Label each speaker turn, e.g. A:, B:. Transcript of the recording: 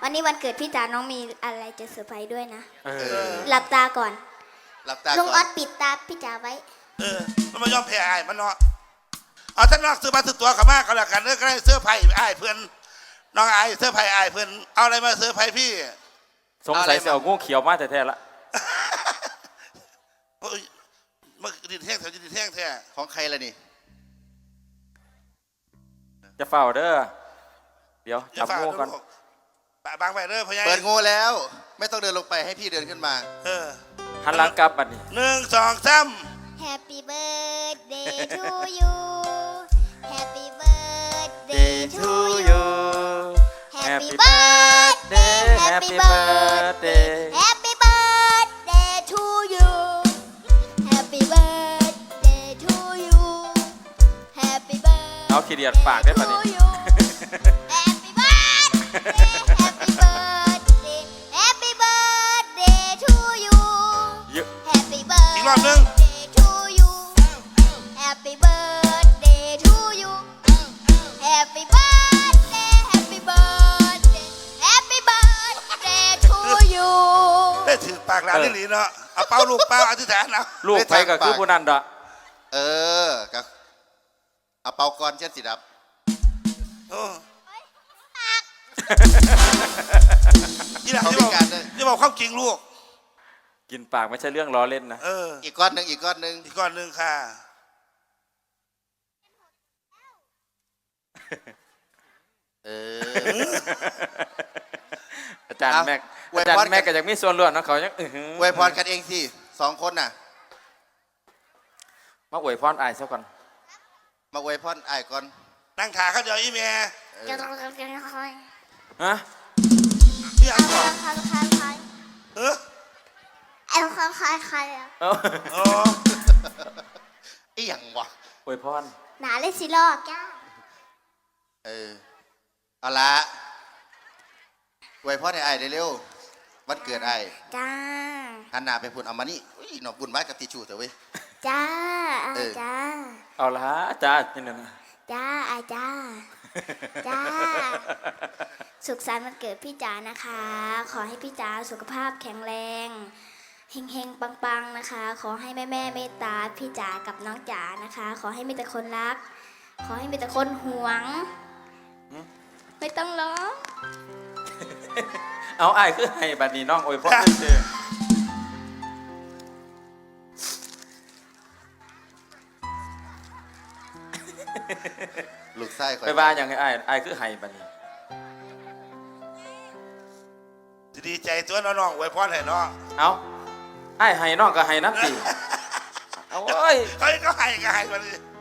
A: วันนี้วันเกิดพี่จ๋าน้องมีอะไรจะเซอร์ไพรส์ด้วยนะ
B: อ
A: หลับตาก่อน
B: หลับตา
A: ลุง
B: ก่
A: อ
B: อ
A: อน สปิดตาพี่จ๋าไว้
C: มันมายอมแพ้ไอ้มันเนาะเอาท่านนอกซื้อมาซื้อตัวกับมากก็แล้วกันเรื่องก็ได้เสื้อไผ่ไอ้เพื่อนน้องไอ้เสื้อไผ่ไอ้เพื่อนเอาอะไรมาเสื้อไผ่พี่
D: สงสัยจะเอางูเขียวมาแท้ๆละ
C: โอ้ยมันดินแห้งแถวดินแห้งแท้
B: ของใครล่ะนี่
D: จะเฝ้าเด้อเดี๋ยว
C: จะ
D: จับ
C: ฝาก
D: งูก่อน
C: ลูกบางไปเด้อพ่อใหญ่
B: เปิดงูแล้ว ไม่ต้องเดินลงไปให้พี่เดินขึ้นมา
D: หันหลังกลับบัดนี้
C: 1 2 3
A: Happy birthday to you Happy birthday to you Happy birthday Happy birthday Happy birthday to you Happy birthday to you Happy birthday
D: เอาขี้เดียดปากได้บัดนี้
A: to you Happy birthday Happy birthday Happy birthday to you
D: เยอะ
A: Happy birthday
C: อีกรอบหนึ่ง
A: to you Happy birthday to you Happy birthday Happy birthday Happy birthday to you
C: ได้ถือปากหลานนี่หลีเนาะเอาเป้าลูกเป้าอธิษฐานเอา
D: ลูกไปก็คือผู้นั้นดอก
B: ก็เอาเป่าก่อนเช่นสิดับ
C: โอ้ยี่หลัง
B: เขา
C: ที่
B: พิ
C: บอก
B: การด้วย
C: ที่บอกความจริงลูก
D: กินปากไม่ใช่เรื่องล้อเล่นนะ
B: อีกก้อนหนึ่งอีกก้อนหนึ่ง
C: อีกก้อนหนึ่งค่ะ
B: เออ
D: อาจารย์
B: เอา
D: แม็ก
B: อวย
D: อาจาร
B: พร
D: ย์แม็กก็ยังมีส่วนร่วมนะเขายัง
B: อวยพรกันเองสิ2 คนน่ะ
D: มาอวยพรอายซะก่อน
B: มาอวยพรอ้ายก่อน
C: นั่งขาเขาเดียวอีเมีย
D: ฮะ
C: พี่อันก่อนเออ
D: เอา
C: โอ้
B: อีหยังวะ
D: อวยพร
A: หนาเลยสิลอกจ้า
B: เอาละอวยพรให้อ้ายเร็วๆวันเกิดอ้าย
A: จ้า
B: หันหน้าไปพูดเอามานี่อุ้ยหนอกบุญไม้กับทิชชู่เถอะเว้ย
A: จ้า
B: เออ
A: จ้า
D: เอาละจ้านี่นะ
A: จ้าจ้า จ้า สุขสันต์วันเกิดพี่จ๋านะคะ ขอให้พี่จ๋าสุขภาพแข็งแรงเฮงๆปังๆนะคะ ขอให้แม่เมตตาพี่จ๋ากับน้องจ๋านะคะ ขอให้มีแต่คนรัก ขอให้มีแต่คนหวง ไม่ต้องร้อง
D: เอาอายคือให้บัดนี้น้องอวยพรเฉย
B: ลูกไส้ค
D: ๆ
B: อย
D: ไปว่าอย่างไงอายคือให้บัดนี้
C: จะดีใจตัวน้องๆไว้พรให้น้อง
D: เอาอายให้น้องก็ให้น้ำตีเอาเอ้ย
C: เฮ้ยก็ให้ก็ให้มาดิ